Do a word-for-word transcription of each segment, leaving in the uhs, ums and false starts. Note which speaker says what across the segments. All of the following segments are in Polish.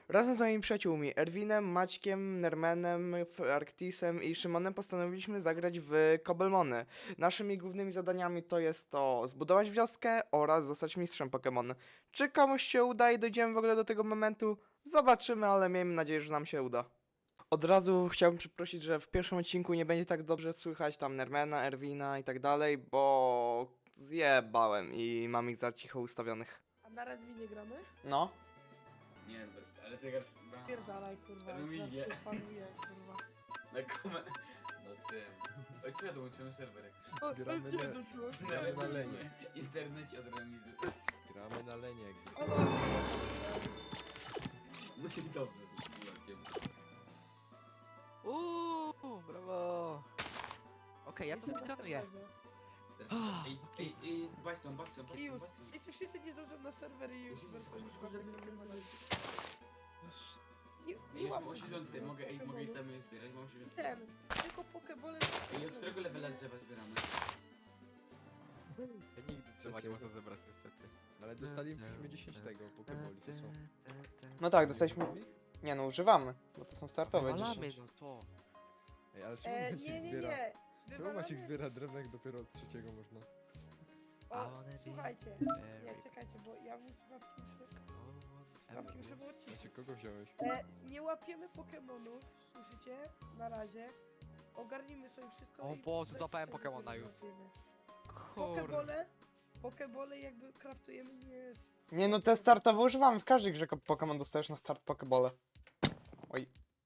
Speaker 1: Razem z moimi przyjaciółmi Erwinem, Maćkiem, Nermenem, F- Arktisem i Szymonem postanowiliśmy zagrać w Cobblemony. Naszymi głównymi zadaniami to jest to zbudować wioskę oraz zostać mistrzem Pokémon. Czy komuś się uda i dojdziemy w ogóle do tego momentu? Zobaczymy, ale miejmy nadzieję, że nam się uda. Od razu chciałbym przeprosić, że w pierwszym odcinku nie będzie tak dobrze słychać tam Nermena, Erwina i tak dalej, bo zjebałem i mam ich za cicho ustawionych.
Speaker 2: A na Redminie gramy?
Speaker 1: No.
Speaker 3: Nie, be- ale ty grasz na...
Speaker 2: Pierdalaj, kurwa,
Speaker 3: Redminie.
Speaker 2: zawsze panuję, kurwa.
Speaker 3: Na kome... No tym... Oj, co ja dołączymy serwerek?
Speaker 2: O,
Speaker 4: Gramy
Speaker 2: gdzie
Speaker 4: na-
Speaker 2: doszło?
Speaker 4: Gramy na lenie.
Speaker 3: Internecie od remizy.
Speaker 4: Gramy na lenie jakby co.
Speaker 2: O, no.
Speaker 3: No i dobrze, zobaczymy.
Speaker 5: Uuu, brawo! Okej, ja to speedrunuję.
Speaker 3: Ej, ej, ej, bastion, bastion,
Speaker 2: I
Speaker 3: bastion,
Speaker 2: już,
Speaker 3: bastion.
Speaker 2: jeśli wszyscy nie zdążą na serwer i już...
Speaker 3: Już, już,
Speaker 2: będą
Speaker 3: już,
Speaker 2: kurwa,
Speaker 3: już,
Speaker 2: Pokémon.
Speaker 3: już.
Speaker 2: Nie,
Speaker 3: Ej,
Speaker 2: nie
Speaker 3: już
Speaker 2: mam
Speaker 3: mam osiedzący, mogę, ej, mogę
Speaker 2: Pokémonów.
Speaker 3: itemy zbierać, mam osiedzący.
Speaker 2: Ten, tylko Pokebole...
Speaker 3: Ej, od którego levela drzewa zbieramy?
Speaker 5: Ja nigdy drzewa nie można zebrać niestety.
Speaker 4: Ale dostaliśmy dziesięć tego pokeboli, to są.
Speaker 1: No tak, dostaliśmy... Nie no, używamy, bo to są startowe
Speaker 5: Walamy,
Speaker 1: dziesięć.
Speaker 5: no to.
Speaker 4: Ej, ale czemu
Speaker 2: E,
Speaker 4: Maciek
Speaker 2: nie, nie,
Speaker 4: zbiera?
Speaker 2: nie.
Speaker 4: Czemu Maciek
Speaker 2: Wywalamy-
Speaker 4: zbiera drewno jak dopiero od trzeciego można?
Speaker 2: O, słuchajcie. Nie,
Speaker 5: Very
Speaker 2: czekajcie, bo ja muszę sprawki Sprawki muszę było
Speaker 4: Maciek,
Speaker 2: odciszyć.
Speaker 4: kogo wziąłeś?
Speaker 2: E, nie łapiemy Pokemonów, słyszycie? Na razie. Ogarnijmy sobie wszystko
Speaker 5: O
Speaker 2: i
Speaker 5: Boże,
Speaker 2: bez
Speaker 5: złapałem
Speaker 2: przerwy
Speaker 5: Pokemona już.
Speaker 2: łapiemy.
Speaker 5: Kurde.
Speaker 2: Pokebole, Pokebole jakby kraftujemy nie jest...
Speaker 1: Nie no, te startowe używamy w każdej grze, ko- Pokémon dostajesz na start Pokebole. Oj.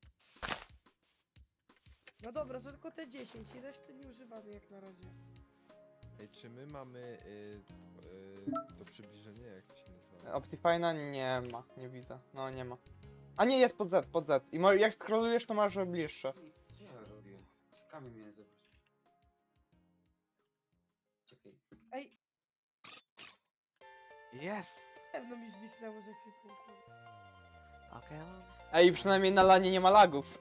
Speaker 2: No dobra, to tylko te dziesięć i reszty nie używamy jak na razie.
Speaker 4: Ej, czy my mamy y, y, to przybliżenie, jak to się nazywa?
Speaker 1: Optifine'a nie ma, nie widzę. No nie ma. A nie, jest pod Z, pod Z. I mo- jak scrollujesz, to masz bliższe.
Speaker 3: Ej, co ja robię? Kamień mnie zobacz. Czekaj.
Speaker 2: Ej,
Speaker 5: Jest!
Speaker 2: pewno mi zniknęło ze ekwipunku.
Speaker 5: Okej, mam.
Speaker 1: Ej, przynajmniej na lanie nie ma lagów.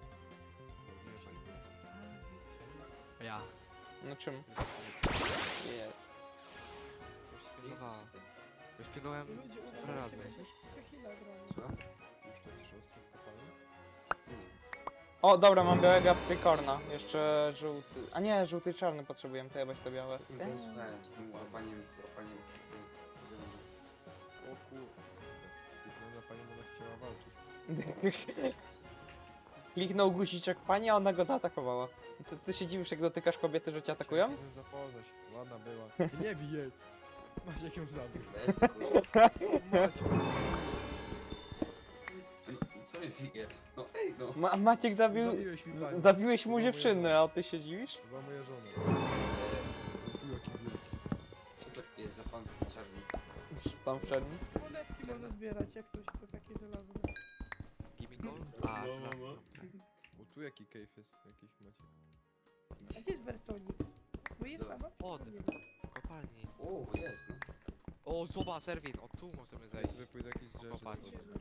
Speaker 5: Ja.
Speaker 1: No czym? Jest.
Speaker 5: Już pilnowałem. Już pilnowałem
Speaker 2: Ludzie
Speaker 5: parę razy.
Speaker 2: Chwila gramy.
Speaker 3: Co?
Speaker 4: Już to ci ostro wkopałem?
Speaker 1: O, dobra, mam białego aprikorna. Jeszcze żółty. A nie, żółty i czarny potrzebujemy, to jebać te białe.
Speaker 3: Słuchałem z tym łapaniem, łapaniem.
Speaker 4: O kurde. Wygląda pani, ona chciała walczyć.
Speaker 1: Kliknął guziczek pani, a ona go zaatakowała. Ty, ty się dziwisz, jak dotykasz kobiety, że cię atakują?
Speaker 4: Chciałem zapoznać, ładna była. Nie bij jej! Maciek ją zabił. Maciek!
Speaker 3: Co mi figujesz? No ej no.
Speaker 1: Ma Maciek zabił...
Speaker 4: Zabiłeś mi
Speaker 1: z-
Speaker 4: panią.
Speaker 1: Zabiłeś mu
Speaker 4: Chyba moja
Speaker 1: dziewczynę,
Speaker 4: żona.
Speaker 1: a ty się dziwisz?
Speaker 4: Chyba moja żona. Tu jaki wielki.
Speaker 3: Co to jest za pan czarny?
Speaker 1: Pan w czerni.
Speaker 2: Monetki można zbierać, jak coś to takie żelazne.
Speaker 5: Gimme gold? A,
Speaker 3: No,
Speaker 5: dobra.
Speaker 3: no,
Speaker 4: O tu jaki cave jest, jakiś Maciek.
Speaker 2: A gdzie jest Bertonix? Bo jest na mapie.
Speaker 5: O,
Speaker 2: nie wiem.
Speaker 5: w kopalni.
Speaker 3: O, jest no.
Speaker 5: O, zobacz, Erwin, o tu możemy
Speaker 4: Ja
Speaker 5: zejść.
Speaker 4: sobie pójdę jakiś z rzeczy.
Speaker 5: Popatrz.
Speaker 4: zobaczę.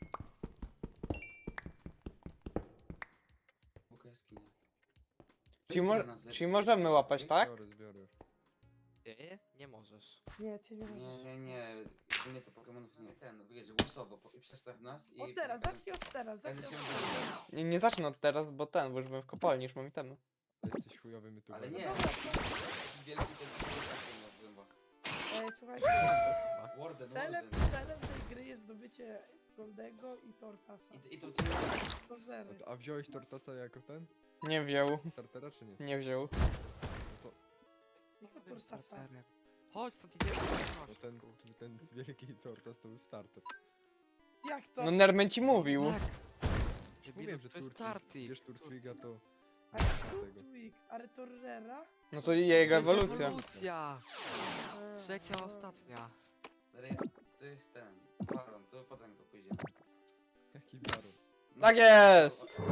Speaker 3: Buka jaskinia.
Speaker 1: Czyli, mo
Speaker 3: Weź nas zepsuć.
Speaker 1: czyli możemy łapać, tak?
Speaker 4: Biorę, zbiorę już.
Speaker 5: Nie, nie możesz.
Speaker 2: Nie, ty nie
Speaker 3: Nie,
Speaker 2: możesz.
Speaker 3: nie, nie. U mnie to Pokemonów nie. Ten, wiesz, głosowo. po- I przestaw nas i...
Speaker 2: Od teraz, zacznij od teraz,
Speaker 3: Ja
Speaker 2: zacznij
Speaker 3: zacząłem
Speaker 2: od teraz.
Speaker 3: do-
Speaker 1: Nie, nie zacznę od teraz, bo ten, bo już byłem w kopalni, już mam itemy.
Speaker 4: Jesteś chujowy my tu.
Speaker 3: Ale
Speaker 4: gadamy.
Speaker 3: nie.
Speaker 2: Dobra,
Speaker 3: Wielki ten zęba.
Speaker 2: E, słuchajcie,
Speaker 3: Warden,
Speaker 2: celem,
Speaker 3: Warden.
Speaker 2: celem tej gry jest zdobycie Goldego i Tortasa.
Speaker 3: I, I to ty...
Speaker 2: Torzery.
Speaker 4: A, a wziąłeś Tortasa jako ten?
Speaker 1: Nie wziął,
Speaker 4: Startera czy nie?
Speaker 1: nie wziął.
Speaker 4: No to,
Speaker 2: Jako Tortasa.
Speaker 5: Chodź, stąd idziemy.
Speaker 4: to ten, ten wielki Tortas to był starter.
Speaker 2: Jak to?
Speaker 1: No Nermen ci mówił.
Speaker 5: Tak.
Speaker 4: Już
Speaker 5: Debilu,
Speaker 4: mówiłem, że
Speaker 5: to jest
Speaker 4: Turtwig-
Speaker 5: Starty.
Speaker 4: Wiesz Turtwiga to...
Speaker 2: A
Speaker 4: tego.
Speaker 2: Turtwig, ale Torrera?
Speaker 1: No to jego
Speaker 5: To jest
Speaker 1: ewolucja.
Speaker 5: Ewolucja.
Speaker 2: E,
Speaker 5: Trzecia,
Speaker 2: e,
Speaker 5: ostatnia.
Speaker 3: To jest ten... Baron, to potem to pójdziemy.
Speaker 4: Jaki baron?
Speaker 3: No,
Speaker 1: Tak jest!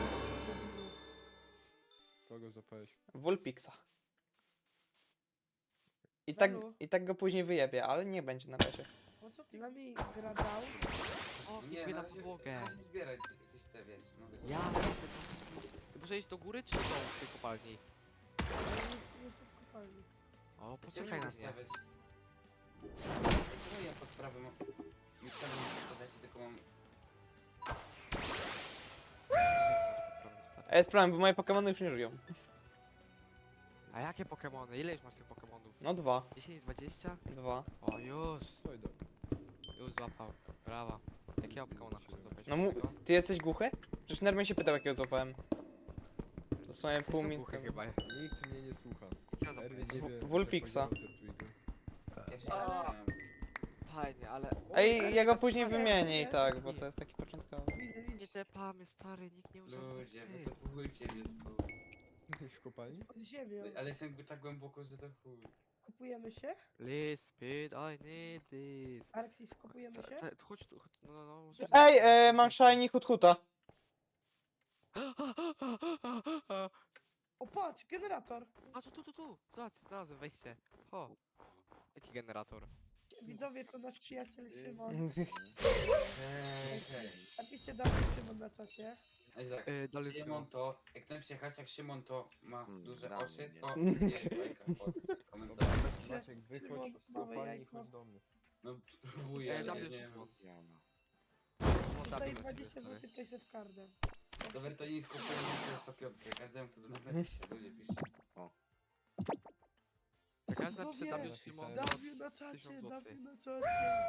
Speaker 4: Kogo zapałeś?
Speaker 1: Vulpixa. I tak,
Speaker 2: Halo?
Speaker 1: I tak go później wyjebie, ale nie będzie na razie.
Speaker 2: Po co z nami gra dał?
Speaker 5: O,
Speaker 3: Nie,
Speaker 5: idę
Speaker 3: na
Speaker 5: na
Speaker 3: razie-
Speaker 5: podłogę.
Speaker 3: na razie zbierać jakieś te, wiesz, no wiesz.
Speaker 5: Ja, ty muszę iść do góry czy do tej kopalni?
Speaker 2: Ja nie, nie jestem w kopalni.
Speaker 5: O,
Speaker 3: Chciałbym
Speaker 5: poczekaj na mnie.
Speaker 3: stawiać. Dlaczego ja pod prawym... Mi wcale nie stawiacie, tylko mam...
Speaker 1: A jest problem, bo moje Pokemony już nie żyją.
Speaker 5: A jakie Pokemony? Ile już masz tych Pokemonów?
Speaker 1: No dwa.
Speaker 5: dziesięć, dwadzieścia?
Speaker 1: Dwa.
Speaker 5: O, już.
Speaker 4: Oj, do.
Speaker 5: Już złapał. Brawa. Jakiego Pokemona chcesz złapać?
Speaker 1: No mu...
Speaker 5: Tego?
Speaker 1: Ty jesteś głuchy? Przecież Nermin się pytał, jakiego złapałem. Dosłownie
Speaker 5: Jesteś
Speaker 1: pół
Speaker 5: za
Speaker 1: minuty.
Speaker 5: głuchy chyba.
Speaker 4: Nikt mnie nie słucha.
Speaker 5: Chciałem
Speaker 4: Erwin
Speaker 5: zapowiedzieć.
Speaker 4: nie wie,
Speaker 1: W-
Speaker 4: że
Speaker 1: Vulpixa.
Speaker 4: poziom Twigu.
Speaker 3: Ja się
Speaker 5: A.
Speaker 3: zastanawiam.
Speaker 5: Fajnie, ale...
Speaker 1: Ej, ja go
Speaker 5: teraz
Speaker 1: później
Speaker 5: fajnie.
Speaker 1: wymienię i tak, bo to jest taki początkowy.
Speaker 2: Widzę,
Speaker 5: Nie
Speaker 2: widzę.
Speaker 5: tepamy, stary, nikt nie używa.
Speaker 3: Ludzie, wy to chujcie mnie stąd.
Speaker 4: Jesteś w kopalni?
Speaker 2: Pod ziemią.
Speaker 3: Ale jestem jakby tak głęboko, że to chuj.
Speaker 2: Kupujemy się?
Speaker 5: Please, speed, I need this.
Speaker 2: Arktis, kupujemy
Speaker 5: Ta-
Speaker 2: się?
Speaker 5: ta- tu Chodź tu, chodź, no, no, no. może-
Speaker 1: Ej, e, mam shiny Huthuta.
Speaker 2: O patrz, generator.
Speaker 5: A tu, tu, tu, tu. Zobacz, znalazłem wejście. O. Jaki generator?
Speaker 2: Widzowie, to nasz przyjaciel Szymon.
Speaker 3: Ej,
Speaker 2: Artiście dał Szymon na czacie.
Speaker 3: ej, tak.
Speaker 5: Yy, dalej
Speaker 3: Szymon to, jak ktoś przyjechać, jak Szymon to ma
Speaker 6: Hmm,
Speaker 3: duże
Speaker 6: dla
Speaker 3: oczy,
Speaker 6: mnie.
Speaker 3: to nie bajka pod
Speaker 4: Dobra,
Speaker 3: komentarz.
Speaker 4: Maciek, wychodź
Speaker 2: Szymon,
Speaker 4: z
Speaker 2: małe
Speaker 4: kopalni i
Speaker 2: jajko.
Speaker 4: chodź do mnie.
Speaker 3: No próbuję,
Speaker 5: Ej,
Speaker 3: ale
Speaker 5: dawaj
Speaker 3: nie wiem.
Speaker 5: Szymon.
Speaker 6: Jana.
Speaker 5: Szymon,
Speaker 2: Tutaj
Speaker 5: dawaj do ciebie,
Speaker 2: dwadzieścia
Speaker 5: stary.
Speaker 2: złotych payset cardem.
Speaker 3: Dobra, to nie skupię się sto piątkę, każdemu to nawet się ludzie pisze.
Speaker 5: Jak ja napiszę
Speaker 2: Widzowie,
Speaker 5: W Szymon, to
Speaker 2: Dawiu na czacie,
Speaker 5: tysiąc złotych.
Speaker 2: Dawiu na czacie.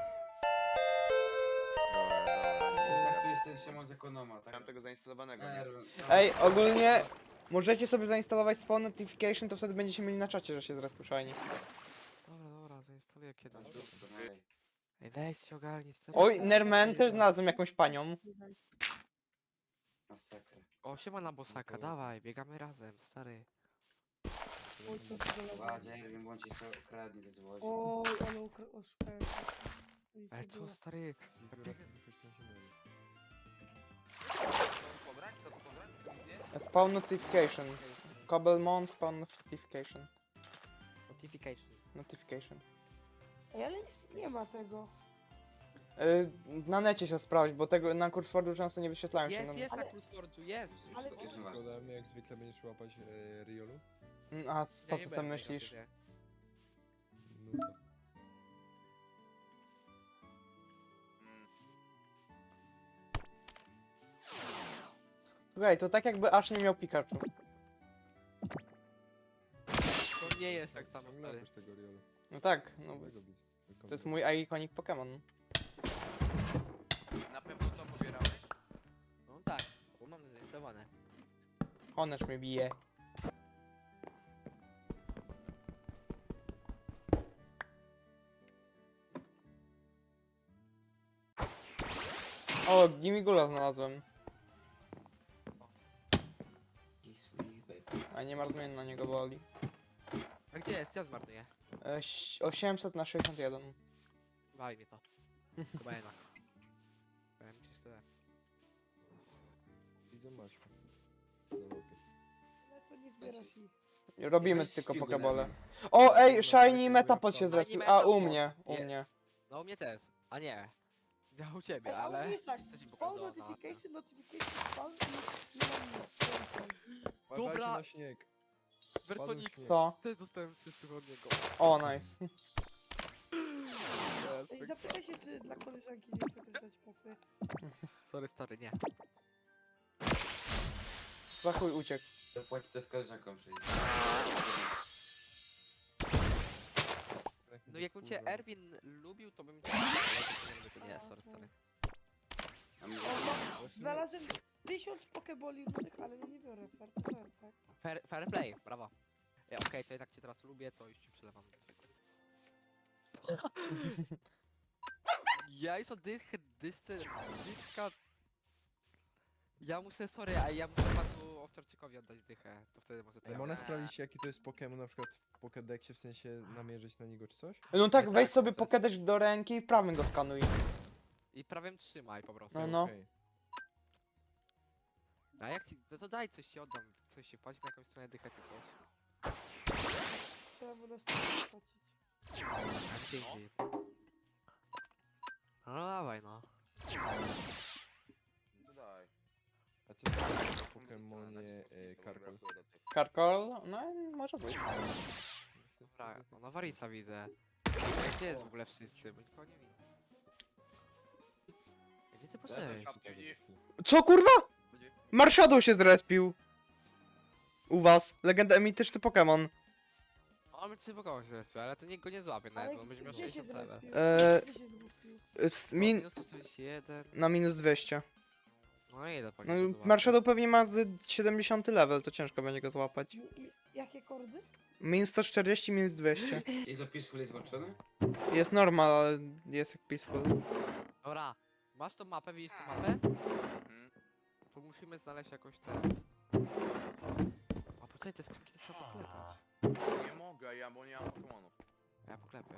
Speaker 3: Tak, to jest ten Szymon z ekonoma, tak?
Speaker 6: Mam tego zainstalowanego, nie?
Speaker 3: Erwin, no.
Speaker 1: Ej, ogólnie możecie sobie zainstalować spawn notification, to wtedy będziecie mieli na czacie, że się zrespił shiny.
Speaker 5: Dobra, dobra, zainstaluję kiedyś.
Speaker 3: Masz dupę, no ej.
Speaker 5: Ej, weź się ogarnij, stary.
Speaker 1: Oj, Nerman też znalazłem jakąś panią.
Speaker 3: Masakra.
Speaker 5: O, siema na bosaka, dawaj, biegamy razem, stary.
Speaker 2: Oj, co ty znalazłeś?
Speaker 3: Ładzie, Erwin, bądź się okradnie ze złodzi.
Speaker 2: Oj, ale ukra- oszukałem. Nic
Speaker 5: Ej,
Speaker 2: nie
Speaker 5: co,
Speaker 2: było.
Speaker 5: stary?
Speaker 4: Biorę
Speaker 5: biegę-
Speaker 4: wychodź na ziemię.
Speaker 1: Spawn notification. Cobblemon spawn notification.
Speaker 5: Notification.
Speaker 1: Notification.
Speaker 2: Ej, ale nie, nie ma tego.
Speaker 1: Y, na necie się sprawdź, bo tego na Kursfordu często nie wyświetlają się.
Speaker 5: Jest,
Speaker 1: no-
Speaker 5: jest na
Speaker 2: Ale-
Speaker 5: Cruiseforge'u, jest.
Speaker 2: Ale-
Speaker 3: To jest nieważne.
Speaker 4: Szkoda, mnie jak zwykle będziesz łapać e, Riolu?
Speaker 1: Mm, A co
Speaker 5: Ja
Speaker 1: ty
Speaker 5: nie
Speaker 1: sam
Speaker 5: będę,
Speaker 1: myślisz?
Speaker 5: ja nie.
Speaker 4: Nuda.
Speaker 1: Słuchaj, to tak jakby Ash nie miał Pikachu.
Speaker 5: To nie jest tak samo,
Speaker 4: Nie
Speaker 5: stary.
Speaker 4: łapiesz tego Riolu.
Speaker 1: No tak, no
Speaker 4: Mogę go bić.
Speaker 1: to jest mój iconic Pokémon.
Speaker 6: Na pewno to pobierałeś?
Speaker 5: No tak, bo mam zainstalowane.
Speaker 1: Honesz mnie bije. O, Gimigula znalazłem.
Speaker 3: Kiss me, baby.
Speaker 1: A nie marnuję na niego boli.
Speaker 5: A gdzie jest? Ja zmarnuję.
Speaker 1: E, ś- osiemset na sześćdziesiąt jeden.
Speaker 5: Wali mi to. Chyba jednak. Powiem ci tyle.
Speaker 4: Widzę masz. Na łapie.
Speaker 2: Ale to nie zbierasz ich.
Speaker 1: Robimy
Speaker 3: Weź
Speaker 1: tylko
Speaker 3: śpigł
Speaker 1: pokebole.
Speaker 3: Nermin.
Speaker 1: O, ej,
Speaker 4: Dobra,
Speaker 1: Shiny
Speaker 4: tak
Speaker 1: Metapod
Speaker 4: jakby
Speaker 1: się
Speaker 4: jak
Speaker 1: zrespił.
Speaker 5: Shiny
Speaker 1: A, u
Speaker 5: Metapod.
Speaker 1: mnie, u
Speaker 5: Nie.
Speaker 1: mnie.
Speaker 5: No u mnie też. A nie. Ja u ciebie,
Speaker 2: Ej, ale
Speaker 5: ale...
Speaker 2: jest tak,
Speaker 5: Coś mi
Speaker 2: spawn
Speaker 5: pokazało na
Speaker 2: notification, notification, spawn i nie mam nic.
Speaker 4: Uważajcie
Speaker 5: Dobra.
Speaker 4: na śnieg.
Speaker 5: Wertonik,
Speaker 4: śnieg.
Speaker 1: Co?
Speaker 5: też dostałem wszystko od niego.
Speaker 1: O, nice.
Speaker 2: Ej, zapytaj się, czy dla koleżanki nie chce też dać kasy.
Speaker 5: Sorry, stary, nie.
Speaker 1: Za chuj uciekł.
Speaker 3: Zapłaci to z koleżanką przyjdzie.
Speaker 5: No jakbym cię
Speaker 4: Kurwa.
Speaker 5: Erwin lubił, to bym cię... Ale to nie, sorry, sorry.
Speaker 3: A mnie-
Speaker 2: O, ma,
Speaker 4: Właśnie-
Speaker 2: znalazłem tysiąc pokeboli różnych, ale ja nie biorę. Fair to fair, tak?
Speaker 5: Fair, fair play, brawo. Ja, Okej, to jednak cię teraz lubię, to już ci przelewam. Ja już od dych, dysce, dyska... Ja muszę, sorry, a ja muszę panu Owczarczykowi oddać dychę, to wtedy może to
Speaker 4: Ej,
Speaker 5: ja
Speaker 4: można
Speaker 5: będę.
Speaker 4: sprawdzić jaki to jest Pokémon na przykład w Pokédexie, w sensie namierzyć na niego czy coś?
Speaker 1: No tak,
Speaker 5: tak,
Speaker 1: weź sobie
Speaker 5: to jest-
Speaker 1: Pokédex do ręki i prawym go skanuj.
Speaker 5: I prawem trzymaj po prostu.
Speaker 1: No, no.
Speaker 4: Okej.
Speaker 5: A jak ci, no to daj coś ci oddam, coś się płaci na jakąś stronę dychę czy coś.
Speaker 2: Trzeba było nas tak płacić.
Speaker 5: A dzięki. No dawaj no.
Speaker 6: To daj.
Speaker 4: A co to jest o Pokemonie e, Karkol?
Speaker 1: Karkol? No, może być.
Speaker 5: Dobra, no Nowarisa widzę. Ej, gdzie jest w ogóle wszyscy, bo nikogo nie widzę. Ej, Gdzie ty poszedłeś?
Speaker 6: Czapki.
Speaker 1: Co kurwa? Marshadow się zrespił. U was, legenda mityczny Pokémon.
Speaker 5: O, my trzy Pokémon się zrespił, ale to nikt go nie złapie nawet,
Speaker 2: Ale
Speaker 5: bo będzie miał
Speaker 2: gdzie się
Speaker 5: sześćdziesiąt level.
Speaker 2: zrespił?
Speaker 1: Eee,
Speaker 2: Gdzie się zrespił?
Speaker 1: Z
Speaker 5: O,
Speaker 1: min
Speaker 5: minus sto czterdzieści jeden.
Speaker 1: na minus dwieście.
Speaker 5: No i ile
Speaker 1: No,
Speaker 5: Pokémon złapie?
Speaker 1: Marshadow pewnie ma z siedemdziesiąty level, to ciężko będzie go złapać.
Speaker 2: I- i- Jakie kordy?
Speaker 1: Minus sto czterdzieści, minus dwieście.
Speaker 3: Jest o Peaceful jest włączony?
Speaker 1: Jest normal, ale jest jak peaceful.
Speaker 5: Dobra, masz tą mapę, widzisz tą mapę?
Speaker 6: Mhm.
Speaker 5: To musimy znaleźć jakoś ten... A poczekaj, te skrzynki to trzeba poklepać.
Speaker 6: Nie mogę, ja, bo nie mam Pokemonów.
Speaker 5: Ja poklepię.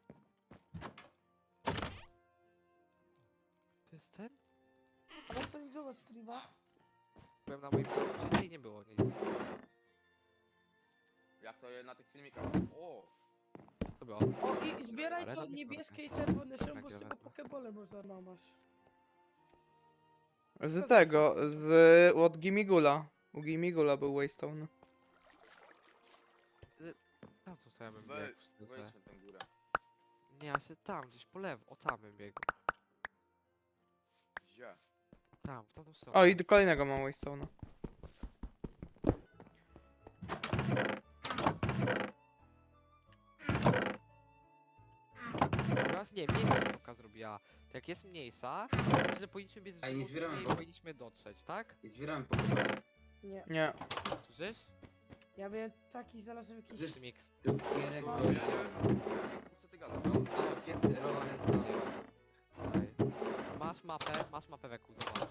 Speaker 5: To jest ten?
Speaker 2: Ale to nie zobacz streama.
Speaker 5: Byłem na moim koncie i nie było nic.
Speaker 6: Jak to na tych filmikach. O!
Speaker 5: To było.
Speaker 2: O i zbieraj
Speaker 5: Ale
Speaker 2: to
Speaker 5: robię
Speaker 2: niebieskie i czerwone się, bo z
Speaker 5: Tak,
Speaker 2: tego
Speaker 5: wezmę.
Speaker 2: pokebole można namać.
Speaker 1: Z tego, z od Gimigula. U Gimigula był Waystone.
Speaker 5: Tam co sobie bym
Speaker 6: Wej,
Speaker 5: biegł. szczerze.
Speaker 6: wejdź na tę górę.
Speaker 5: Nie, ja się tam, gdzieś po lewo, o tam bym biegł.
Speaker 6: Gdzie?
Speaker 5: Tam, w tamtą stronę.
Speaker 1: O, i do kolejnego mam Waystone'a.
Speaker 5: Teraz nie, mniejsza kropka zrobiła. To jak jest mniejsza, to znaczy, że powinniśmy biec
Speaker 3: A nie
Speaker 5: w
Speaker 3: zbieramy
Speaker 5: i
Speaker 3: go?
Speaker 5: powinniśmy dotrzeć, tak?
Speaker 3: I zbieramy Pokémon.
Speaker 2: Nie.
Speaker 1: Nie.
Speaker 5: Słyszysz?
Speaker 2: Ja miałem taki, znalazłem jakiś...
Speaker 3: Zresztą-
Speaker 5: Mix.
Speaker 3: Cukierek
Speaker 6: No,
Speaker 3: do...
Speaker 6: ja nie wiem, co ty gadasz.
Speaker 3: No, a, zjęty, rozjęty.
Speaker 5: Tutaj. Masz mapę, masz mapę weku, zobacz.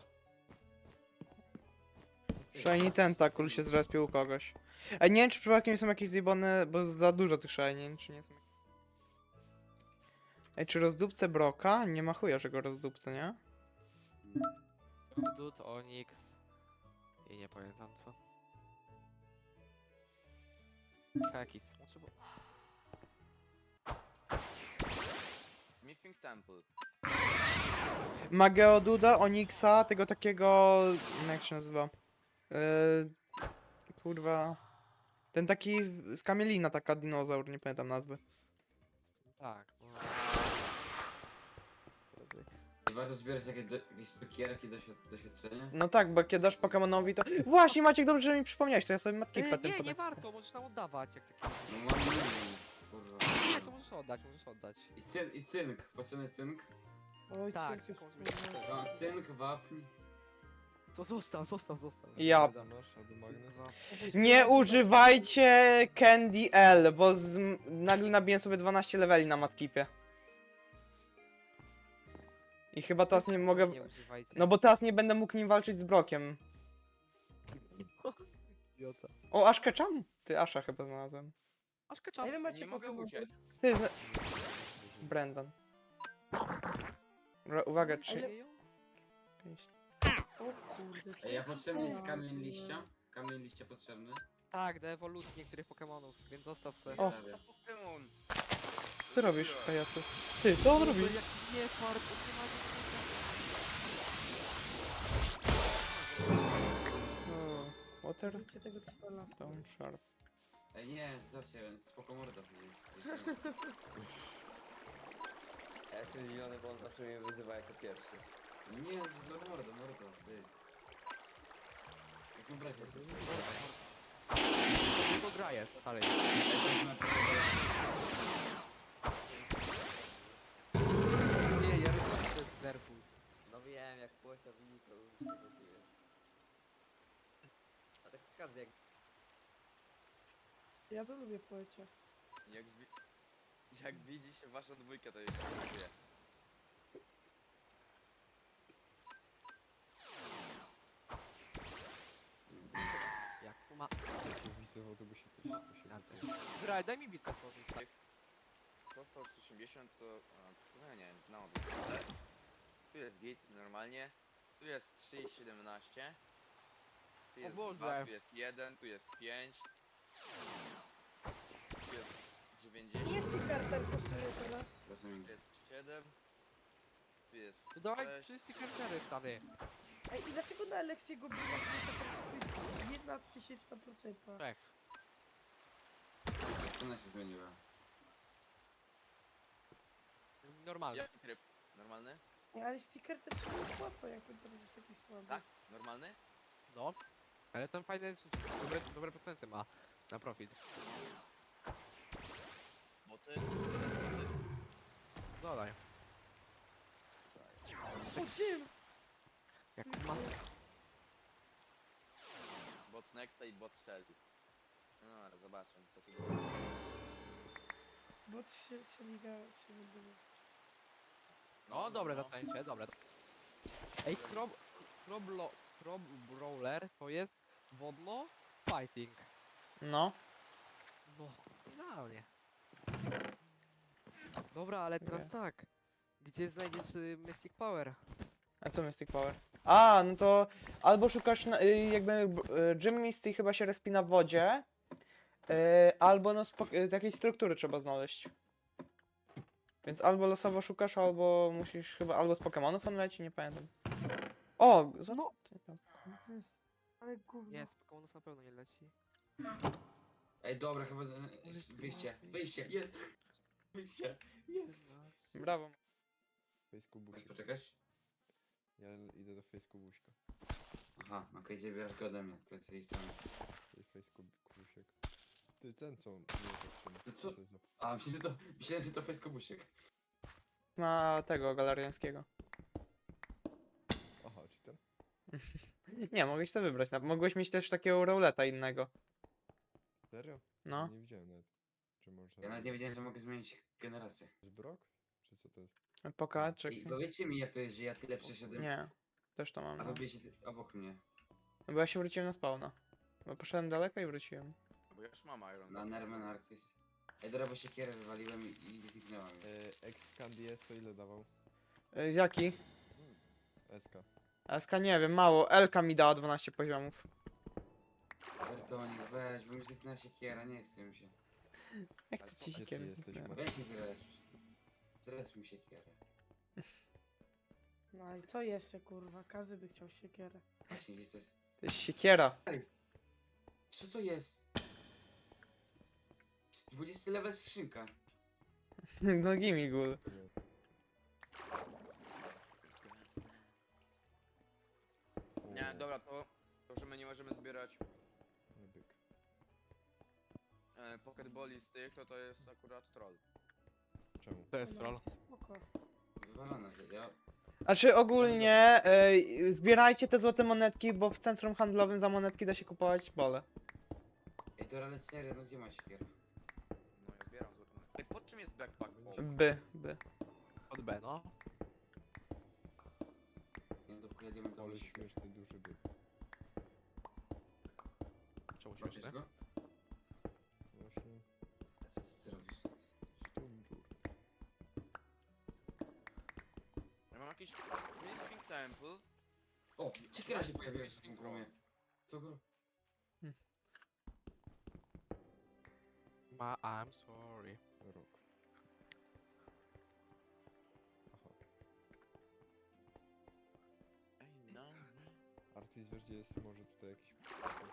Speaker 1: Shiny Tentacle się zrespił u kogoś. Ej, nie wiem, czy przypadkiem są jakieś zjebane, bo za dużo tych shiny, nie wiem, czy nie są. Ej, czy rozdupcę Broka? Nie ma chuja, że go rozdupcę, nie?
Speaker 5: Dud, Onyx i nie pamiętam co. Jakiś smoczy, bo...
Speaker 6: Smithing Temple.
Speaker 1: Ma Geoduda, Onyxa, tego takiego... jak się nazywa? Yy, kurwa... Ten taki z kamielina, taka dinozaur, nie pamiętam nazwy.
Speaker 5: Tak, no. Co za-
Speaker 3: I warto zbierać takie do, jakieś cukierki, doświad- doświadczenia?
Speaker 1: No tak, bo kiedy dasz Pokemonowi to... Właśnie, Maciek, dobrze, że mi przypomniałeś, to ja sobie matki
Speaker 5: Ej,
Speaker 1: potem
Speaker 5: nie, nie
Speaker 1: podam.
Speaker 5: warto, możesz nam oddawać jak taki...
Speaker 3: No mam milion, kurwa.
Speaker 5: Nie, to możesz oddać, możesz oddać.
Speaker 3: I, cyn, I cynk, poceny cynk.
Speaker 2: Oj,
Speaker 5: Tak,
Speaker 2: cię, cię,
Speaker 5: to
Speaker 2: cię,
Speaker 3: No, cynk, wapń.
Speaker 5: To zostaw, zostaw, zostaw.
Speaker 1: Ja...
Speaker 4: Masz albo magnes.
Speaker 1: Nie używajcie Candy L, bo z... nagle nabiję sobie dwanaście leveli na matkipie. I chyba teraz nie mogę...
Speaker 5: Nie używajcie.
Speaker 1: No bo teraz nie będę mógł nim walczyć z Brokiem.
Speaker 5: Idiota.
Speaker 1: O, Ash Ketchum? Ty, Asha chyba znalazłem.
Speaker 5: Aż
Speaker 2: A
Speaker 5: kaczam.
Speaker 2: ile macie
Speaker 6: Nie mogę
Speaker 2: Pokemonów?
Speaker 6: uciec.
Speaker 1: Ty, zna... Brendan. Ra- uwaga,
Speaker 2: A
Speaker 1: czy...
Speaker 2: ile... O kurde, co
Speaker 3: Ej, ja
Speaker 2: to
Speaker 3: potrzebny jest
Speaker 2: za-
Speaker 3: kamień liścia. Kamień liścia potrzebny.
Speaker 5: Tak, do ewolucji niektórych Pokemonów, więc zostaw sobie.
Speaker 1: O.
Speaker 3: Prawie.
Speaker 6: Pokémon.
Speaker 1: Co ty robisz, pajacu? Ty, co on robi?
Speaker 5: Jaki nie fart, on nie ma nic.
Speaker 1: O, Water
Speaker 2: Użycie tego spela.
Speaker 1: Stone Sharp.
Speaker 3: Ej, nie, zobaczcie, spoko morda przecież.
Speaker 7: Ja jestem zdziwiony, bo on zawsze mnie wyzywa jako pierwszy.
Speaker 3: Nie, to jest dla morda, morda, ty. Jak bracie jesteś.
Speaker 5: Tylko grajesz, stary.
Speaker 3: Ej, to jest na
Speaker 5: Nie, ja rozumiem, to jest nervus.
Speaker 7: No wiem, jak płocia widzi, to już się gotuje. A tak każdy jak...
Speaker 2: Ja to lubię poecie.
Speaker 6: Jak, wi jak widzi się waszą dwójkę, to jeszcze gotuje.
Speaker 5: Jak tu ma...
Speaker 4: Jak widzę w autobusie, to się, to się gotuje.
Speaker 5: Zraj, daj mi bitkę tworzyć.
Speaker 6: To sto osiemdziesiąt to... A, to no nie, na odwrót. Ale tu jest git, normalnie. Tu jest trzy i siedemnaście. Tu
Speaker 5: O
Speaker 6: jest
Speaker 5: Boże.
Speaker 6: dwa, tu jest jeden, tu jest pięć. Tu jest dziewięćdziesiąt,
Speaker 2: Ile tych karter kosztuje teraz?
Speaker 3: Rozumiem.
Speaker 6: tu jest siedem. Tu jest
Speaker 5: To dawaj
Speaker 6: sześć.
Speaker 5: wszyscy kartery, stary.
Speaker 2: Ej, i dlaczego na Aleksiego biła jest jedna tysięczna procenta?
Speaker 5: Czek.
Speaker 3: Cena się zmieniła.
Speaker 5: Normalnie.
Speaker 6: Jaki tryb? Normalny?
Speaker 2: Nie, ale sticker też się nie opłaca, jak ten teraz jest taki słaby.
Speaker 6: Tak? Normalny?
Speaker 5: No. Ale tam fajne, dobre, dobre procenty ma na profit.
Speaker 6: Boty?
Speaker 5: Dodaj.
Speaker 2: O czym?
Speaker 5: Jak ma...
Speaker 6: Bot Nexta i bot Shelly. No ale zobaczmy co tu będzie.
Speaker 2: Bo się, się liga się nie było.
Speaker 5: No dobre zaczęcie, dobre. Ej, Crob... Croblo... Crob Brawler to jest wodno fighting.
Speaker 1: No.
Speaker 5: No, idealnie. Dobra, ale teraz tak. Gdzie znajdziesz y, Mystic Power?
Speaker 1: A co Mystic Power? A, no to albo szukasz na, y, jakby y, Gym Misty chyba się respi na wodzie, y, albo no spok- z jakiejś struktury trzeba znaleźć. Więc albo losowo szukasz, albo musisz chyba, albo z Pokemonów on leci, nie pamiętam. O, za...
Speaker 2: No. Ale gówno.
Speaker 5: Nie, z Pokemonów na pewno nie leci.
Speaker 3: Ej, dobra, chyba... z- Wyjście, wyjście, jest! Wyjście, jest!
Speaker 1: Brawo.
Speaker 4: Fejsku
Speaker 3: Chcesz
Speaker 4: buźka.
Speaker 3: poczekać?
Speaker 4: Ja idę do fejsku buźka.
Speaker 3: Aha, okej, okay, bierasz go ode mnie, to jest jej strony.
Speaker 4: Tej fejsku busiek. Ty, ten co mnie zatrzyma.
Speaker 3: No co?
Speaker 4: to jest za...
Speaker 3: A, myślę, że to, myślałem, że to fejskobusiek.
Speaker 1: Ma tego galariańskiego.
Speaker 4: Aha, czy ten?
Speaker 1: Nie, mogłeś sobie wybrać. na- Mogłeś mieć też takiego rouleta innego.
Speaker 4: Serio?
Speaker 1: No.
Speaker 4: Nie widziałem nawet. Czy może...
Speaker 3: Ja nawet nie wiedziałem, że mogę zmienić generację.
Speaker 4: Zbrok? Czy co to jest?
Speaker 1: Poka, czy...
Speaker 3: I powiedzcie mi, jak to jest, że ja tyle przeszedłem,
Speaker 1: Nie. Też to mam.
Speaker 3: a
Speaker 1: No.
Speaker 3: wy byliście ty- obok mnie.
Speaker 1: No bo ja się wróciłem na spawna. Bo poszedłem daleko i wróciłem.
Speaker 6: Bo ja już mam Iron.
Speaker 3: Na Nerman Arctis. Ej, dobra, bo siekierę wywaliłem i, i zniknęła mi.
Speaker 4: E, Ex Candy S to ile dawał?
Speaker 1: Y, jaki?
Speaker 4: S K.
Speaker 1: S K nie wiem, mało. Elka mi dała dwanaście poziomów.
Speaker 3: Bertonik, weź, bo mi zniknęła siekiera, nie chce mi się.
Speaker 1: Jak
Speaker 6: Ale
Speaker 1: to
Speaker 6: co-
Speaker 1: ci
Speaker 4: gdzie
Speaker 1: się
Speaker 4: ty
Speaker 1: kiedy?
Speaker 4: jesteś,
Speaker 1: Nie.
Speaker 4: Mat-
Speaker 3: Weź mi zres. Zres mi siekierę.
Speaker 2: No i co jeszcze kurwa? Każdy by chciał siekierę.
Speaker 3: Właśnie, gdzie to jest?
Speaker 1: To jest siekiera.
Speaker 3: Co to jest? dwudziesty level skrzynka.
Speaker 1: No gimigul.
Speaker 6: Nie, dobra, to, to że my nie możemy zbierać
Speaker 4: Nie byk.
Speaker 6: e, Pokeboli z tych, to to jest akurat troll.
Speaker 4: Czemu?
Speaker 5: To jest
Speaker 2: No,
Speaker 5: troll.
Speaker 2: Spoko.
Speaker 3: Wywalone, że ja...
Speaker 1: Znaczy ogólnie y, zbierajcie te złote monetki, bo w centrum handlowym za monetki da się kupować bole.
Speaker 3: Ej, to ale serio, no gdzie ma siekiera?
Speaker 6: No ja zbieram złote monety. Ej, pod czym jest backpack? O,
Speaker 1: By, by.
Speaker 5: Od B, no.
Speaker 3: Nie, to chuja diamentowy
Speaker 4: Ale
Speaker 3: siekier.
Speaker 4: śmieszny duży byk.
Speaker 5: Czemu
Speaker 3: Łapiesz
Speaker 5: śmieszne?
Speaker 3: go?
Speaker 4: Właśnie.
Speaker 3: A co ty robisz?
Speaker 4: Stunżur.
Speaker 6: ja mam jakiś Smithing Temple.
Speaker 3: O, siekiera się
Speaker 6: Weź
Speaker 3: pojawiła
Speaker 6: jakieś
Speaker 3: w tym
Speaker 6: intro.
Speaker 3: gromie. Co gro?
Speaker 5: Ma, I'm sorry.
Speaker 4: Rok. Aha.
Speaker 6: Ej, no.
Speaker 4: Artis, wiesz gdzie jest może tutaj jakiś...